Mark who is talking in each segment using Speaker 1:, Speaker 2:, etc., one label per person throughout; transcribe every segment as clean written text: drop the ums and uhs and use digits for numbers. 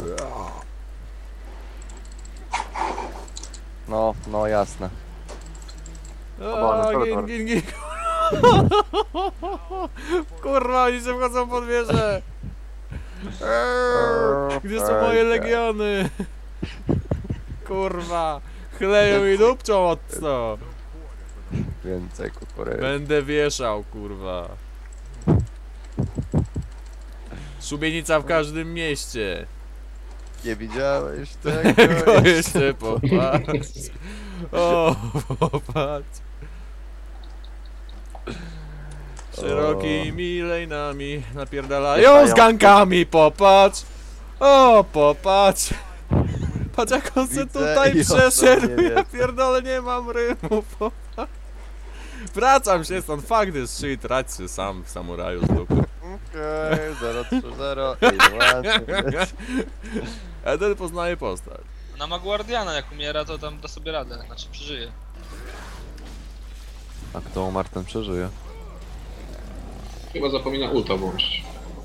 Speaker 1: No jasne.
Speaker 2: Gin. Kurwa, oni się wchodzą pod wieżę. Gdzie są moje legiony? Kurwa, chleją i dupczą od co?
Speaker 1: Więcej kukurydzy.
Speaker 2: Będę wieszał, kurwa. Szubienica w każdym mieście.
Speaker 1: Nie widziałeś
Speaker 2: Tego jeszcze popatrz. O, popatrz. Szerokimi lejnami napierdalają z gankami, popatrz. O, popatrz. Patrz jak on se
Speaker 1: Widzę
Speaker 2: tutaj
Speaker 1: i o to
Speaker 2: przeszedł.
Speaker 1: nie
Speaker 2: Ja
Speaker 1: wiem.
Speaker 2: pierdolę, nie mam rymu, popatrz. Wracam się stąd, fuck this shit, radź się sam w samuraju z dupy.
Speaker 1: Okej, 030.
Speaker 2: Eden poznaje postać.
Speaker 3: Ona ma Guardiana, jak umiera to tam da sobie radę, znaczy przeżyje.
Speaker 1: A kto umarł, ten przeżyje.
Speaker 4: Chyba zapomina ulta włączyć.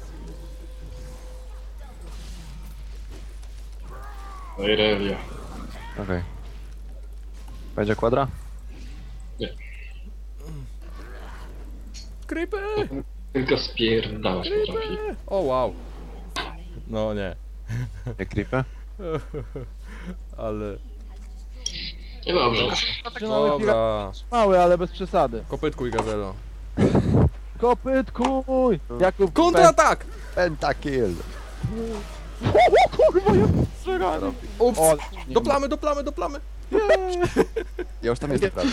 Speaker 4: No i Relia.
Speaker 1: Okej. Będzie kwadra?
Speaker 2: Creepy!
Speaker 4: Tylko spierdalać potrafi.
Speaker 2: O wow. No nie.
Speaker 1: Nie creepy?
Speaker 2: Ale...
Speaker 4: Niedobrze.
Speaker 2: Dobra.
Speaker 5: Mały, ale bez przesady.
Speaker 2: Kopytkuj gazelo.
Speaker 5: Kopytkuj! Jakub
Speaker 2: Kontratak!
Speaker 1: Pentakill!
Speaker 5: Kurwa, jak strzelany!
Speaker 2: Ups!
Speaker 5: O,
Speaker 2: Do plamy, do plamy, do plamy!
Speaker 1: Ja już tam jestem prawie.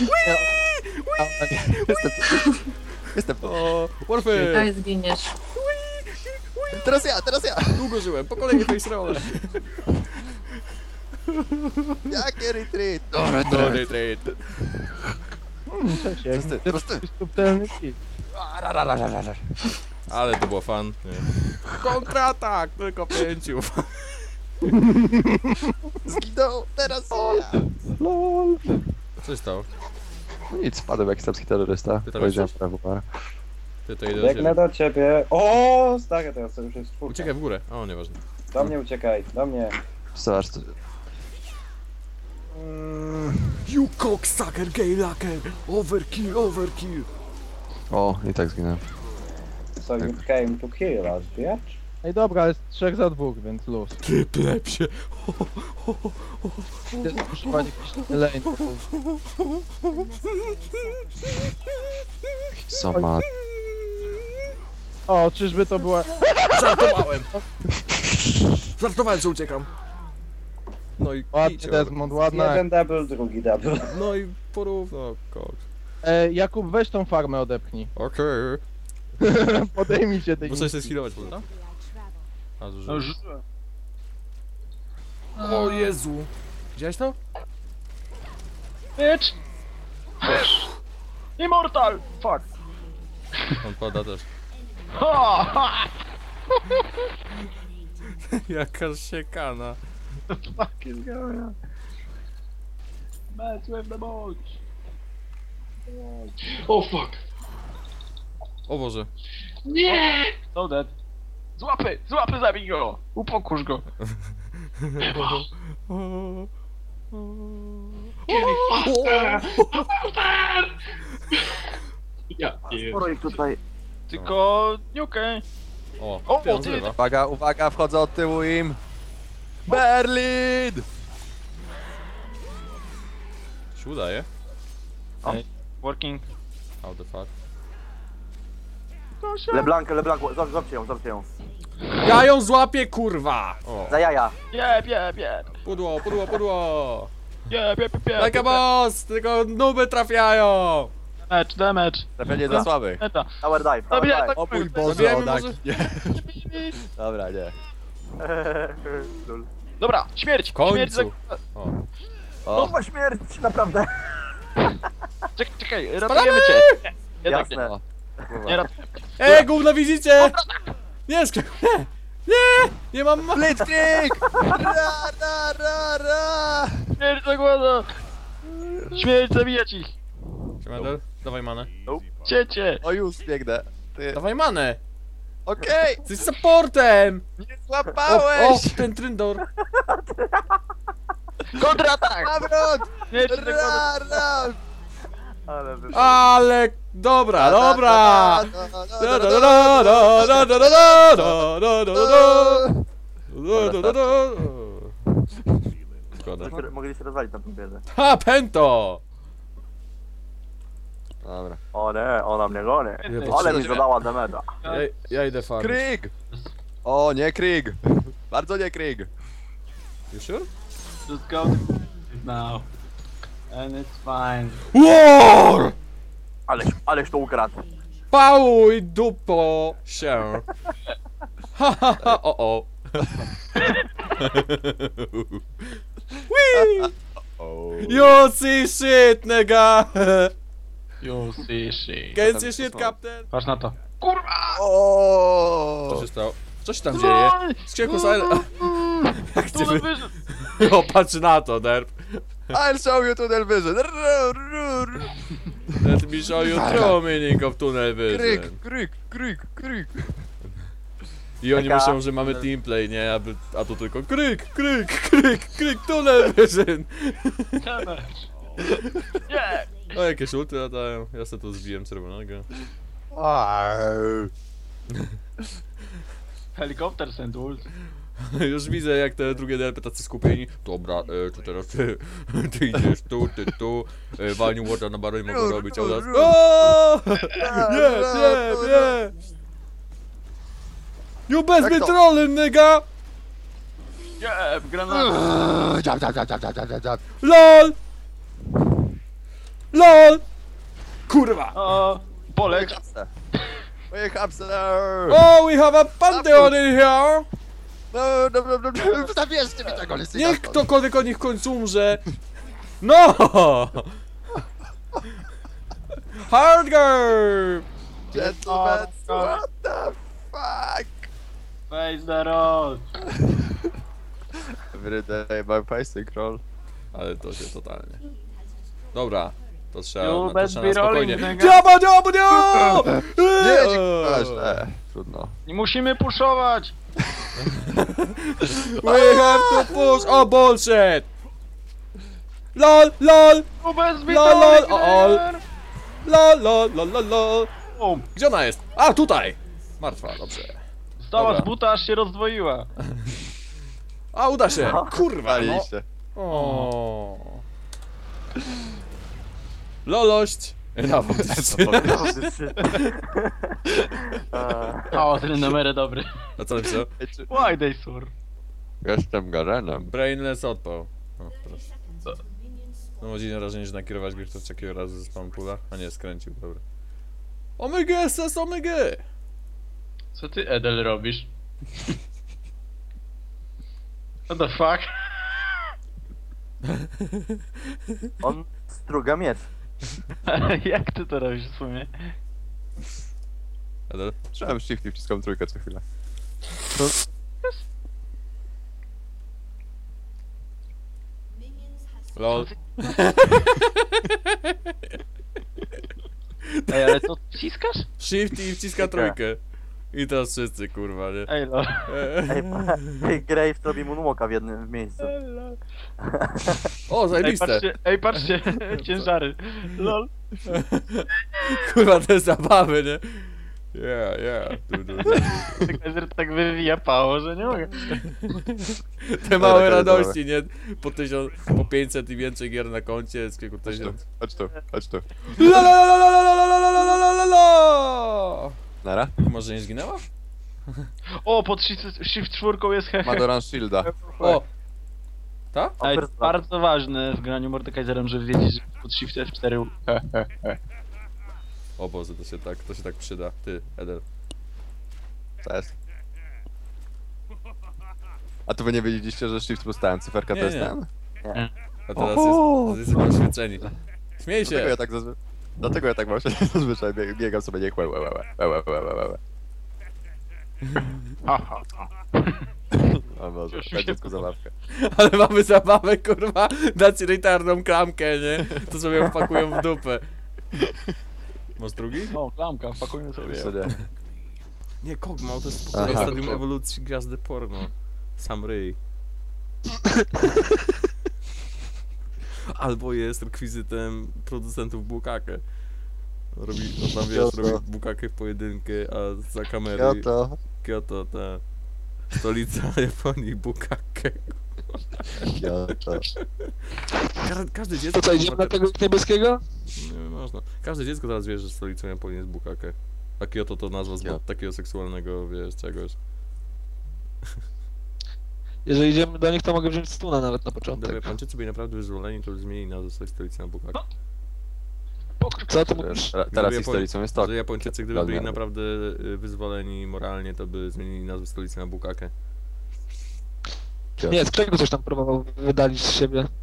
Speaker 1: Jestem.
Speaker 2: O, Warfy!
Speaker 6: Daj zginiesz.
Speaker 1: Teraz ja!
Speaker 2: Długo żyłem, po kolei face roll.
Speaker 1: Jakie retreat?
Speaker 2: No, retreat.
Speaker 5: Cześć,
Speaker 1: Prosty.
Speaker 5: subtelny kit.
Speaker 2: Ale to było fan. Nie. Kontratak! Tylko 5.
Speaker 1: Zginął, teraz ja!
Speaker 5: LOL!
Speaker 2: Co się stało?
Speaker 1: No nic, spadłem jak serbski terrorysta.
Speaker 2: Ty tam
Speaker 1: Powiedziałem
Speaker 2: jesteś?
Speaker 1: prawo.
Speaker 2: Ty to idę do
Speaker 7: Biegnę
Speaker 2: ciebie.
Speaker 7: do ciebie. O, stary, teraz to już jest czwórka.
Speaker 2: Uciekaj w górę. O, nieważne.
Speaker 7: Do mnie uciekaj, do mnie.
Speaker 1: Zobacz, to...
Speaker 2: You cocksucker, gay lacker! Overkill, overkill!
Speaker 1: O, i tak zginąłem.
Speaker 7: So you came to kill us, bitch?
Speaker 5: Ej dobra, jest 3 za 2, więc luz.
Speaker 2: Ty plepsie!
Speaker 5: Używanie jakiś lane.
Speaker 1: Co ma...
Speaker 5: O, czyżby to była...
Speaker 2: Żartowałem! Żartowałem, że uciekam. No i
Speaker 5: Ładny
Speaker 2: kicio.
Speaker 5: Desmond, ładna.
Speaker 7: Jeden double, drugi double.
Speaker 2: No i porówno, koks.
Speaker 5: Jakub, weź tą farmę odepchnij.
Speaker 2: Okej.
Speaker 5: Podejmij się tej...
Speaker 2: Muszę się skillować, prawda? A, zużyłem. O Jezu! Widziałeś to?
Speaker 5: Bitch! Immortal! Fuck!
Speaker 2: On pada też. Jaka siekana.
Speaker 5: Fuck is going on? Match with the boat!
Speaker 4: O fuck!
Speaker 2: O Boże.
Speaker 4: Nie!
Speaker 5: So dead. Złapy! Złapy, zabij go! Upokórz go!
Speaker 4: Ja
Speaker 7: tutaj.
Speaker 5: Tylko... okej.
Speaker 2: O,
Speaker 5: O,
Speaker 2: ty, on
Speaker 5: ty-
Speaker 2: zrywa.
Speaker 1: Uwaga, uwaga, wchodzę od tyłu im! Berlin!
Speaker 2: Się udaje?
Speaker 5: Working.
Speaker 2: How the fuck?
Speaker 7: LeBlanc, złapcie ją.
Speaker 2: Ja ją złapię, kurwa! O.
Speaker 7: Za jaja.
Speaker 5: Jeb!
Speaker 2: Pudło, pudło, pudło!
Speaker 5: Jeb!
Speaker 2: Like a boss! Tylko nuby trafiają!
Speaker 5: Damage!
Speaker 1: Trafienie dla słabych.
Speaker 5: Meta.
Speaker 7: Tower dive,
Speaker 5: Zabijaj, tak
Speaker 1: O mój
Speaker 2: Zabijajmy
Speaker 1: Boże,
Speaker 2: może-
Speaker 1: nie. Dobra, nie.
Speaker 5: Dobra, śmierć!
Speaker 2: W końcu.
Speaker 5: Śmierć za...
Speaker 1: O,
Speaker 7: śmierć, naprawdę.
Speaker 5: Czekaj, ratujemy cię! Nie, jednak nie.
Speaker 1: o.
Speaker 5: Nie ratujemy.
Speaker 2: Gówno widzicie! Nie, nie! Nie! Nie mam ma...
Speaker 1: Blitzkrieg! Ra!
Speaker 5: Śmierć zagłada! Śmierć zabijać ich!
Speaker 2: Siemander, dawaj manę.
Speaker 5: Ciecie!
Speaker 1: O już biegnę. Ty.
Speaker 2: Dawaj manę!
Speaker 1: Okej!
Speaker 2: Jesteś supportem!
Speaker 1: Nie
Speaker 2: O,
Speaker 1: złapałeś!
Speaker 2: ten Tryndor.
Speaker 5: Kontratak!
Speaker 1: Nawrot!
Speaker 5: Nie, jeszcze ten kontratak.
Speaker 1: Ra!
Speaker 5: Ale wy...
Speaker 2: Ale... Dobra, dobra! Da, da, da, da, da, da, da, da, da, da, da, da, da, da, da. Szkoda.
Speaker 5: Mogli się rozwalić na tym biedę.
Speaker 2: Ha, Pento!
Speaker 1: Dobra.
Speaker 5: O nie, ona mnie goni.
Speaker 2: Nie,
Speaker 5: Ale mi zadała dameda.
Speaker 2: Ja idę farmić.
Speaker 1: Krieg! O, nie Krieg! Bardzo nie Krieg!
Speaker 2: You sure?
Speaker 6: Just go now. And it's fine.
Speaker 2: War!
Speaker 5: Ależ to ukradł.
Speaker 2: Pałuj dupo się. Ha ha ha, o o. Wee! You see shit, nigga!
Speaker 6: You see shit.
Speaker 2: Can see shit, captain?
Speaker 6: Patrz na to.
Speaker 2: Co
Speaker 1: O!
Speaker 2: się stało? Co się tam dzieje? Skrzynku silent. Jak cię wy...
Speaker 6: wyszedł?
Speaker 2: O, patrz na to, derp.
Speaker 1: I'll show you tunnel vision!
Speaker 2: Let me show you true meaning of tunnel
Speaker 1: Krieg,
Speaker 2: vision.
Speaker 1: Krieg, Krieg, Krieg!
Speaker 2: I oni
Speaker 5: Taka-
Speaker 2: myślą, że mamy teamplay, nie? A tu tylko kryk, kryk, kryk, kryk, tunnel vision.
Speaker 6: Nie!
Speaker 2: O, jakieś ulty latają. Ja sobie tu zbiłem czerwonego.
Speaker 1: Au.
Speaker 6: Helikopter send ult.
Speaker 2: Już widzę, jak te drugie DLP tacy skupieni. Dobra, to teraz ty, ty idziesz tu, Waniu Warda na baronie mogą robić, a u nas... O! Nie, nie, nie! You best
Speaker 1: Jak
Speaker 2: be
Speaker 1: to?
Speaker 2: trolling, nigga!
Speaker 6: Nie, granat.
Speaker 1: Dziab, dziab, dziab, dziab, dziab, dziab, dziab.
Speaker 2: LOL! LOL! Kurwa!
Speaker 6: O,
Speaker 1: Moje
Speaker 6: poleć.
Speaker 1: hapse! Moje hapse!
Speaker 2: Oh, we have a pantheon in here!
Speaker 1: No, zabierzcie mi tego Lysyna!
Speaker 2: Niech ktokolwiek o nich w końcu umrze! No! Hardcore!
Speaker 1: Gentlemen, what the fuck?
Speaker 6: Face the road.
Speaker 1: Every day my pacing roll.
Speaker 2: Ale to się totalnie. Dobra, to trzeba,
Speaker 6: You
Speaker 2: to
Speaker 6: best
Speaker 2: trzeba
Speaker 6: be
Speaker 2: na spokojnie.
Speaker 6: rolling, nigga.
Speaker 2: Dziaba, dziaba, dziaba!
Speaker 1: Nie, dziękuję, źle. Trudno.
Speaker 6: Nie musimy puszować.
Speaker 2: We have to push! O, bullshit! LOL, LOL!
Speaker 6: You best be
Speaker 2: Lol, lol,
Speaker 6: rolling,
Speaker 2: o,
Speaker 6: nigga.
Speaker 2: LOL, LOL, LOL, LOL, LOL!
Speaker 6: Bum.
Speaker 2: Gdzie ona jest? A, tutaj! Martwa, dobrze.
Speaker 6: Stała
Speaker 2: Dobra.
Speaker 6: z buta, aż się rozdwoiła.
Speaker 2: A, uda się! Kurwa, no!
Speaker 1: Paliście.
Speaker 2: O. Lolość! Ja
Speaker 6: O, ten numer dobry.
Speaker 2: A co napisał?
Speaker 6: Why they sur?
Speaker 1: Jestem Garenem.
Speaker 2: Brainless odpał. O, proszę. No mam dziwne wrażenie, że nakierować go to takiego razu ze spam pula. A nie, skręcił, dobra. Omega SS, omega!
Speaker 6: Co ty, Edel, robisz? What the fuck?
Speaker 5: On struga miecz.
Speaker 6: Jak ty to robisz w sumie?
Speaker 2: Adel?
Speaker 1: Trzymałem shift i wciskam trójkę co chwilę.
Speaker 2: LOL.
Speaker 6: Ej, ale to wciskasz?
Speaker 2: Shift i wciska trójkę. I teraz wszyscy, kurwa, nie?
Speaker 6: Ej, lol.
Speaker 5: Ej, Graves robi moonwalka w jednym miejscu.
Speaker 2: O,
Speaker 6: Ej,
Speaker 2: zajebiste!
Speaker 6: patrzcie, ciężary. Lol.
Speaker 2: Kurwa, te zabawy, nie? Yeah.
Speaker 6: Tak wywija pało, że nie mogę.
Speaker 2: Te małe
Speaker 1: Dobra,
Speaker 2: radości, nie? Po 1000, po 500 i więcej gier na koncie, z kilku
Speaker 1: Chodź tu,
Speaker 2: tysiąc.
Speaker 1: chodź tu, chodź tu.
Speaker 2: La la la la la la la la la la la la.
Speaker 1: Nara?
Speaker 2: Może nie zginęła?
Speaker 6: O, pod shift 4 jest hehe.
Speaker 1: Madoran Shielda.
Speaker 2: O! Ta?
Speaker 6: Ej, to bardzo ważne w graniu Mordekaiserem, żeby wiedzieć, że pod shift F4
Speaker 2: O Boże, to się tak przyda. Ty, Edel.
Speaker 1: Co jest? A to wy nie wiedzieliście, że shift plus ten, cyferka to
Speaker 2: Nie,
Speaker 1: jest
Speaker 2: nie.
Speaker 1: ten?
Speaker 2: A teraz jesteśmy oświeceni. Śmiej
Speaker 1: Dlatego
Speaker 2: się!
Speaker 1: ja tak zazwyczaj... Dlatego ja tak właśnie zazwyczaj biegam sobie niech łe. O Boże,
Speaker 6: Już
Speaker 1: daj
Speaker 6: się
Speaker 1: dziecku zabawkę.
Speaker 2: Ale mamy zabawę, kurwa, dać retardą klamkę, nie? To sobie ją wpakują w dupę. Masz drugi?
Speaker 6: O, klamka, pakujmy sobie.
Speaker 1: Jeszcze nie.
Speaker 2: Nie, Kog'Maw to jest spokojnie
Speaker 1: Aha.
Speaker 2: stadium ewolucji gwiazdy porno. Sam ryj. Albo jest rekwizytem producentów Bukake. Robi, no tam wiesz,
Speaker 1: Kyoto.
Speaker 2: robi Bukakę w pojedynkę, a za kamery...
Speaker 1: Kyoto.
Speaker 2: Kyoto, ta... Stolica Japonii, Bukake.
Speaker 1: Kyoto.
Speaker 2: Każde dziecko...
Speaker 5: To co, idziemy na tego niebieskiego?
Speaker 2: Nie można. Każde dziecko teraz wie, że stolicą Japonii jest Bukake. A Kyoto to nazwa z
Speaker 1: Kyoto.
Speaker 2: takiego seksualnego, wiesz, czegoś.
Speaker 5: Jeżeli idziemy do nich, to mogę wziąć stuna nawet na początek.
Speaker 2: Gdyby Japończycy byli naprawdę wyzwoleni, to by zmienili nazwę swojej stolicy na Bukake.
Speaker 5: Co ty mówisz?
Speaker 1: Teraz ich
Speaker 2: Japoń-
Speaker 1: stolicą jest Tokio.
Speaker 2: Że Japończycy, gdyby byli
Speaker 1: Dokładnie.
Speaker 2: naprawdę wyzwoleni moralnie, to by zmienili nazwę stolicy na Bukake.
Speaker 5: Nie, z czego coś tam próbował wydalić z siebie.